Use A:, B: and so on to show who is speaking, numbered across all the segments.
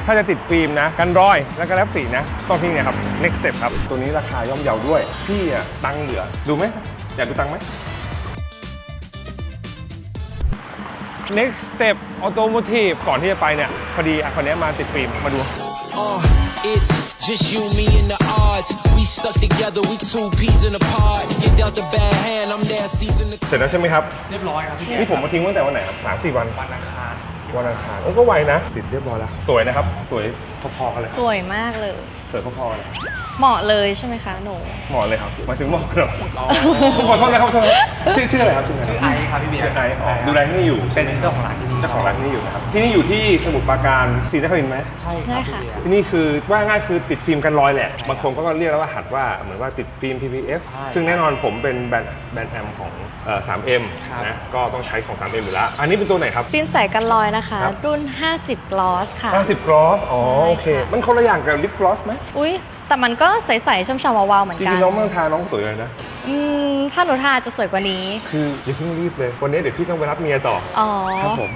A: ถ้าจะติดฟิล์มนะกันรอยแล้วก็แลบสีนะต้องที่นี่ครับ next step ครับตัวนี้ราคาย่อมเยาด้วยพี่อะตังค์เหลือดูไหมอยากดูตังค์ไหม next step automotive ก่อนที่จะไปเนี่ยพอดีคนนี้มาติดฟิล์มมาดู
B: It's just you, me, and the odds. We stuck together, we two peas in a pod. You dealt a bad hand, I'm there season.
A: เสร็จแล้วใช่ไหมครับ
C: เรียบร้อยครับพี่
A: นี่ผมมาทิ้งตั้งแต่วันไหนครับ3-4 วัน
C: วันอังคาร
A: ก็ไวนะติดเรียบร้อยแล้วสวยนะครับสวยพอๆกันเลย
D: สวยมากเลย
A: สวยพอๆกันเลย
D: เหมาะเลยใช่ไหมคะหนู
A: เหมาะเลยครับมาถึงเหมาะครับขอโทษนะครับชื่ออะไรครับชื่ออะไร
C: ไอครับพี่เบียร์
A: ไอดูแลที่นี่อยู่
C: เป็นเจ้าของร้านที่นี่
A: เจ้าของร้านที่นี่อยู่นะครับที่นี่อยู่ที่สมุทรปราการศรีนครินทร์ไหม
C: ใช่ครับพี่เบียร์
A: ที่นี่คือว่าง่ายคือติดฟิล์มกันรอยแหละบางคนก็เรียกแล้วว่าหัดว่าเหมือนว่าติดฟิล์ม PPF ซึ่งแน่นอนผมเป็นแบรนด์แอมของ3M นะก็ต้องใช้ของ 3M อยู่แล้วอันนี้เป็นตัวไหนครับ
D: ฟิล์มใสกันรอยนะคะ รุ่น 50 gloss ค่ะ
A: 50 gloss อ๋อโอเคมันคนละอย่างกับ lip gloss ไหม
D: อุ๊ย แต่มันก็ใสๆช่ำๆวาวๆเหมือน
A: จ
D: กั
A: ริ
D: น
A: งๆน้องเมืองทาน้องสวยเลยนะ
D: ถ้าหนูทาจะสวยกว่านี้
A: คืออย่าเพิ่งรีบเลยวันนี้เดี๋ยวพี่ต้องไปรับเมียต่อ
D: อ๋อ
A: ครับผม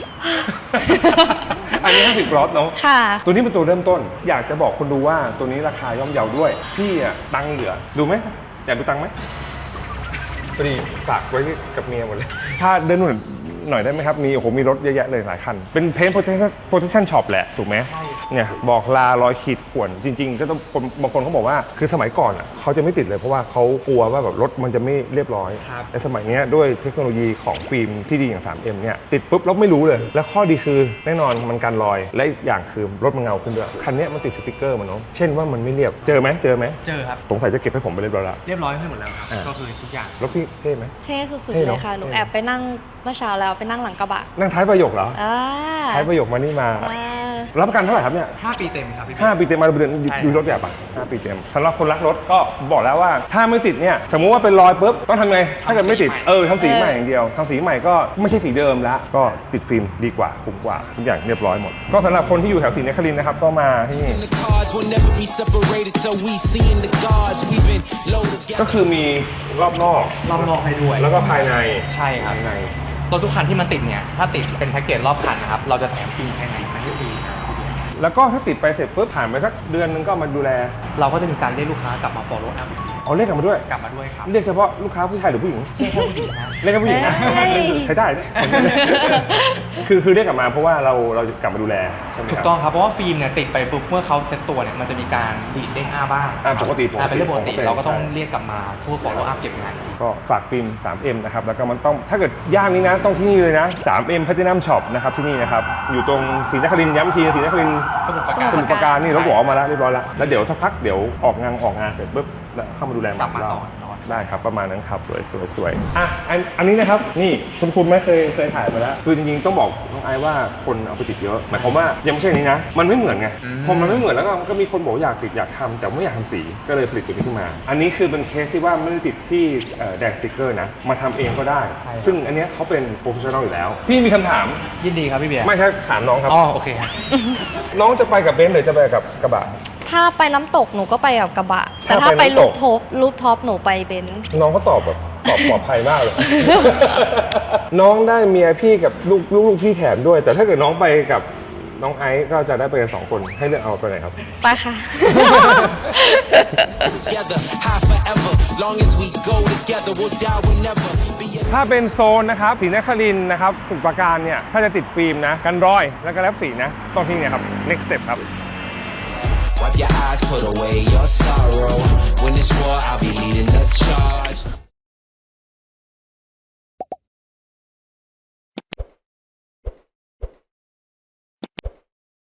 A: อันนี้50 gloss เนาะ
D: ค่ะ
A: ตัวนี้เป็นตัวเริ่มต้น อยากจะบอกคนดูว่าตัวนี้ราคาย่อมเยาด้วยพี่อะตังค์เหลือดูไหมอยากดูตังค์ไหมพอดีฝากไว้กับเมียหมดเลยถ้าเดินหน่อยได้ไหมครับมีโอ้โหมีรถเยอะแยะเลยหลายคันเป็นเพนท์ protection shop แหละถูกไหมเนี่ยบอกลารอยขีดข่วนจริงๆก็ต้องบางคนเขาบอกว่าคือสมัยก่อนอ่ะเขาจะไม่ติดเลยเพราะว่าเขากลัวว่าแบบรถมันจะไม่เรียบร้อยแต่สมัยนี้ด้วยเทคโนโลยีของฟิล์มที่ดีอย่าง 3M เนี่ยติดปุ๊บแล้วไม่รู้เลยและข้อดีคือแน่นอนมันกันรอยและอีกอย่างคือรถมันเงาขึ้นด้วยคันนี้มันติดสติกเกอร์มันเนาะเช่นว่ามันไม่เรียบเจอไหม
C: เจอครับ
A: สงสัยจะเก็บให้ผมไปเรียบร้อยแล้ว
C: เรียบร้อยให้หมดแล้วครับก็คือทุกอย่าง
A: รถพี่เท่ไหม
D: เท่สุด
A: เท่
D: ๆ
A: เน
D: เล
A: อะ
D: ยค่ะ หนูแอบไปนั่งเมื่อเช้าแล้วไปนั่งหลังกระบะ
A: นั่งท้ายประโยคเหรอ
D: อ่า
A: ท้ายประโยคมานี่มา รับประกันเท่าไหร่ครับเนี่ย
C: 5 ปีเต็มครับพี่เบียร์
A: 5 ปีเต็มมาเดือนดูรถแบบอ่ะ5 ปีเต็มสำหรับคนรักรถก็บอกแล้วว่าถ้าไม่ติดเนี่ยสมมุติว่าเป็นรอยปุ๊บต้องทำไงถ้าเกิดไม่ติดทำสีใหม่อย่างเดียวทำสีใหม่ก็ไม่ใช่สีเดิมแล้วก็ติดฟิล์มดีกว่าคุ้มกว่าทุกอย่างเรียบร้อยหมดก็สำหรับคนที่อยู่แถวศรีนครินทร์นะครับก็มาที่นี่ก็คือมีรอบนอก
C: รอบนอกให้ด้วย
A: แล้วก็ภายใน
C: ใช่ครับ
A: ภายใน
C: ตัวทุกคันที่มันติดเนี่ยถ้าติดเป็นแพ็กเกจรอบคันนะครับเราจะแถมฟิล์มภายในให้ฟรีนะครับพี่เบียร์
A: แล้วก็ถ้าติดไปเสร็จปุ๊บผ่านไปสักเดือนนึงก็มาดูแล
C: เราก็จะมีการเรียกลูกค้ากลับมา follow up อีกที
A: เอาเรียกกลับมาด้วย
C: กลับมาด้วยครับ
A: เรียกเฉพาะลูกค้าผู้ชายหรือผู้หญิง
C: เรียกแค่ผู้หญิงนะ
A: เรียกแค่ผู้หญิงนะ
D: เอ้ย
A: ใช้ได้นะคือเรียกกลับมาเพราะว่าเราจะกลับมาดูแลใช่ไหมครับ
C: ถูกต้องครับเพราะว่าฟิล์มเนี่ยติดไปปุ๊บเมื่อเขาเซ็ตตัวเนี่ยมันจะมีการดีดเด้งอ้าบ้าง
A: ปกติ
C: เป็นเรื่องปกติ
A: ผมก็เป็น
C: เราก็ต้อง
A: ใช่
C: เรียกกลับมาเพื่อ follow up เก็บงาน
A: ก็ฝากฟิล์ม 3M นะครับแล้วก็มันต้องถ้าเกิดย่านนี้นะต้องที่นี่เลยนะ 3M Platinum Shop นะครับที่นี่นะครับอยู่ตรงศรีนครินทร์ย้ำทีศรีนครินทร์
C: สมุทรปรา
D: ส
C: การ
D: มุ
A: สมุทรปราการนี่รถหัวออกมาแล้วเรียบร้อยแล้วแล้วเดี๋ยวสักพักเดี๋ยวออกงานเสร็จปุ๊บแล้วเข้ามาดูแล
C: กลับมาต่อ
A: ได้ครับประมาณนั้นครับสวยอ่ะอันนี้นะครับนี่คุณไม่เคยถ่ายมาแล้วคือจริงๆต้องบอกน้องไอซ์ว่าคนเอาไปติดเยอะหมายความว่ายังไม่ใช่อันนี้นะมันไม่เหมือนไงพอมันไม่เหมือนแล้วก็มีคนบอกอยากติดอยากทำแต่ไม่อยากทำสีก็เลยผลิตตัวนี้ขึ้นมา อันนี้คือเป็นเคสที่ว่าไม่ได้ติดที่แดงสติ๊กเกอร์นะมาทำเองก็ได้ ซึ่งอันเนี้ยเขาเป็นโปรเฟชชั่นอลอยู่แล้วพี่มีคำถาม
C: ยินดีครับพี่เบียร์
A: ไม่ใช่ถามน้องครับ
C: อ๋อโอเคครับ
A: น้องจะไปกับเบนซ์หรือจะไปกับกระบะ
D: ถ้าไปน้ำตกหนูก็ไปกับกระบะ แต่
A: ถ้า
D: ถ้า
A: ไป
D: ไป
A: น้ำตก
D: รูปท็อปหนูไปเบนซ์
A: น้องเขาตอบแบบตอบปลอดภัยมากเลย น้องได้เมียพี่กับลูกพี่แถมด้วย แต่ถ้าเกิดน้องไปกับน้องไอซ์ก็จะได้ไปกัน2 คนให้เลือกเอาไปไหนครับ
D: ไปค่ะ
A: ถ้าเป็นโซนนะครับศรีนครินทร์นะครับสมุทรปราการเนี่ยถ้าจะติดฟิล์มนะกันรอยแล้วก็แลบสีนะต้องที่นี่ครับ next step ครับ
B: Wipe your eyes, put away your sorrow. When it's war, I'll be leading the charge.